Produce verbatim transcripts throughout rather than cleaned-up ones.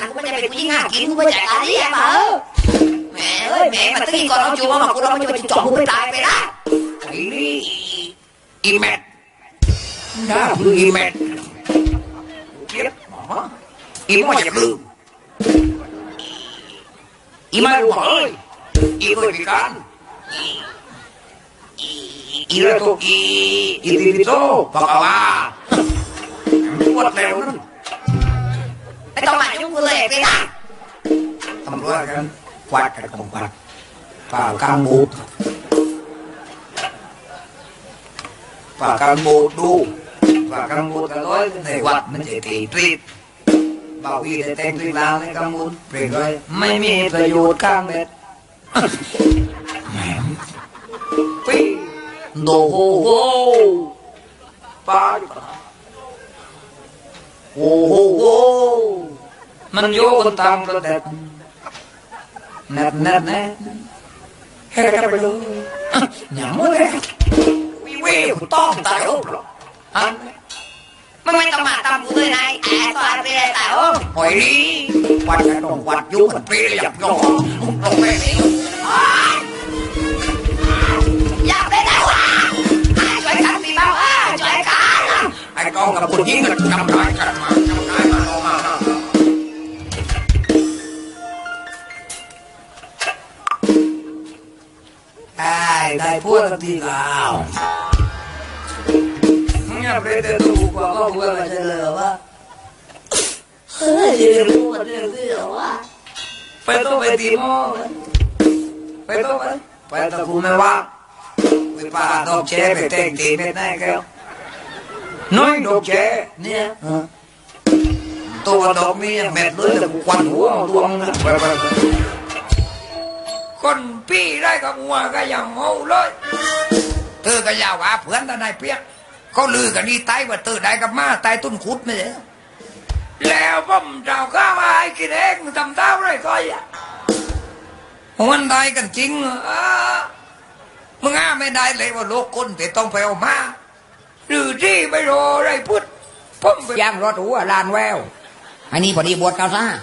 กูไม่ได้เป็นผู้หญิงหากินกูไม่จ่ายการนี้มาเออแม่เอ้ยแม่มาตึ้งก่อนเราจูบมากูเราไม่จะไปจ่อกูไปตายไปละไอ้นี่อีแมทน่าคืออีแมทเก็บอีไม่อยากลืมอีไม่รู้เฮ้ยอีเคยพิการอีเรื่องตัวอีอีติดโซ่ปากว่าปวดแล้วนั่นไม่ต้องมายุ่งกูเลยไปละตำรวจกันควัดกันของควัดป่ากลางบูดป่ากลางบูดดูป่ากลางบูดกันร้อยในวัดมันจะตีตรีดบ่าวอีได้แต่งตรีลาวในกลางบูดเปลี่ยนเลยไม่มีประโยชน์ข้างเบ็ดแหมปีโนโฮโฮป้าโอ้โหโอ้มันโยกตามประเด็นแนบแนบแนบเฮ้ยกันไปเลยหยังไม่ได้วิเวกต้องตายโอ้ฮะมึงไม่ต้องมาตามกูเลยนายแอบตัวไปเลยแต่โอ้หอยนี่วัดกันตรงวัดยุ่งมันเปรี้ยอยากยอมตรงไปนี่อยากได้แล้วอ่ะช่วยกันสิบ้าอ่ะช่วยกันไอ้กองกับคนยิงกันจำได้กันมาจำได้มาลงมาได้ได้พูดทีแล้วเนี่ยเปรตตัวกว่าก็พูดอะไรจะเลยวะเฮ้ยจะรู้ว่าเรื่องที่เหรอวะไปตัวไปตีมอไปตัวไปไปตะกูไม่ว่าไปป่าดอกแฉไปแต่งตีไม่ได้แก้วน้อยดอกแฉเนี่ยตัวดอกนี้เม็ดเลยแต่กูควันหัวดวงนะไปไปไปคนพี่ได้กับหัวก็ยังเมาเลยเธอก็ยาวว่าเพื่อนตาได้เปียกเขาลือกันนี่ตายว่าเธอได้กับมาตายต้นขุดไม่ใช่แล้วผมเจ้าข้าวไอ้กินเองทำเท้าไรก็อย่ามันได้กันจริงอ่ะมึงอ้าไม่ได้เลยว่าโลกคนแต่ต้องไปเอามาหรือที่ไม่รออะไรพุทธผมย่างรถหัวลานแววอันนี้พอดีบวชเกาซ่า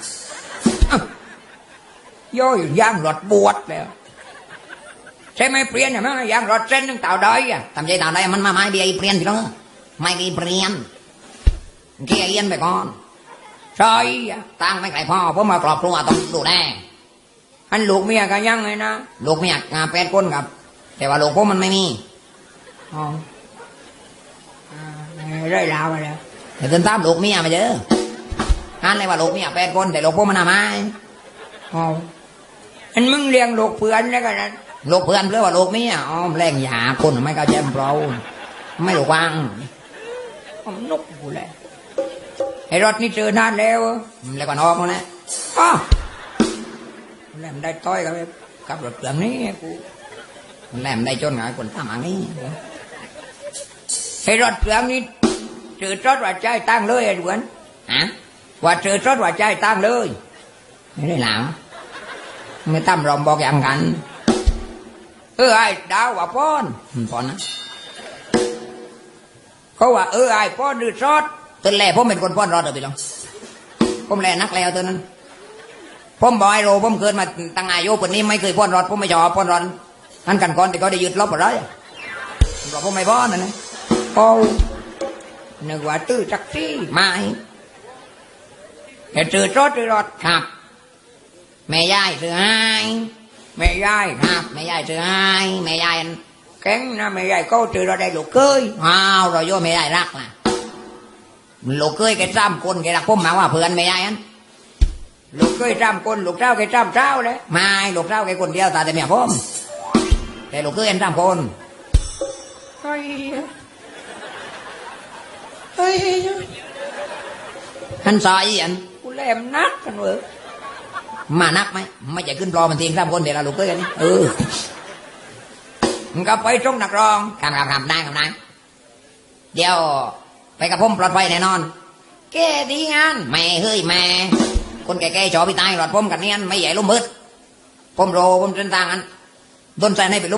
ย่อยย่างรถบวชแล้วใช่ไหมเปลี่ยนอย่างนั้นย่างรถเส้นนึงเต่าได้อะทำใจเต่าได้มันมาไม้เบียร์เปลี่ยนทีละไม่กี่เปลี่ยนเกี่ยเอียนไปก่อนใช่ตั้งไม่ไกลพ่อผมมากรอบครัวต้องดูแลอันลูกเมียกันยังไงนะลูกเมียงานแปดคนครับแต่ว่าลูกผมมันไม่มีอ๋อได้ลาวมาแล้วเดี๋ยวตามลูกเมียมาเจออันเลยว่าลูกเมียแปดคนแต่ลูกผมมันทำไมอ๋ออันมึงเลี้ยงลูกเพื่อนแล้วกันนะลูกเพื่อนเพื่อว่าลูกเมียอ๋อแรงหยาคนไม่เข้าใจเปล่าไม่ถูกวางผมนกกูแหละไอ้รถนี่เจอนานแล้วแล้วก็นอกแล้วอ๋อแหลมได้ต้อยกับกับรถเครื่องนี้กูแหลมได้จนไงคนทำอย่างนี้ไอ้รถเครื่องนี้เจอรถว่าใจตั้งเลยไอ้ด่วนฮะว่าเจอรถว่าใจตั้งเลยไม่ได้หลามไม่ตั้มรอมบอกอย่างกันเออไอ้ดาวว่าป้อนป้อนนะเขาว่าเออไอ้ป้อนดื้อรถตอนแรกผมเป็นคนป้อนรอดเดี๋ยวไปลองผมแลนักแล้วตัวนั้นผมบอกไอ้โรผมเกิดมาตั้งอายุปนนี้ไม่เคยป้อนรอดผมไม่ชอบป้อนรอดนั่นกันก่อนแต่ก็ได้ยึดลบอะไรบอกผมไม่ป้อนนะนะโอ้นึกว่าตื้อจักซี่ไม่แต่เจอรถเจอรถครับแม่ยายเสือให้แม่ยายครับแม่ยายเสือให้แม่ยายแข็งนะแม่ยายก็เจอเราได้ลูกเคยอ้าวเราโย่แม่ยายรักนะลูกเคยแกจ้ำคนแกรักผมมาว่าเพื่อนแม่ยายอันลูกเคยจ้ำคนลูกเจ้าแกจ้ำเจ้าเลยไม่ลูกเจ้าแกคนเดียวตาแต่เมียผมแต่ลูกเคยเอ็นจ้ำคนเฮ้ยเฮ้ยท่านสายอันกูแหลมนักกันเว้ยมานักไหมไม่จะขึ้นปลอมันทิ้งจ้ำคนเดี๋ยวเราลูกเคยกันนี่เออมันก็ไปตรงนักร้องคำคำคำได้คำได้เดี๋ยวไปกับผมปลอดภัยแน่นอนแกดีงานแม่เฮ้ยแม่คนแก่ๆจอพี่ตายหลอดผมกันเนียนไม่ใหญ่ล้มมืดผมโรผมเดินทางอันโดนใจให้ไป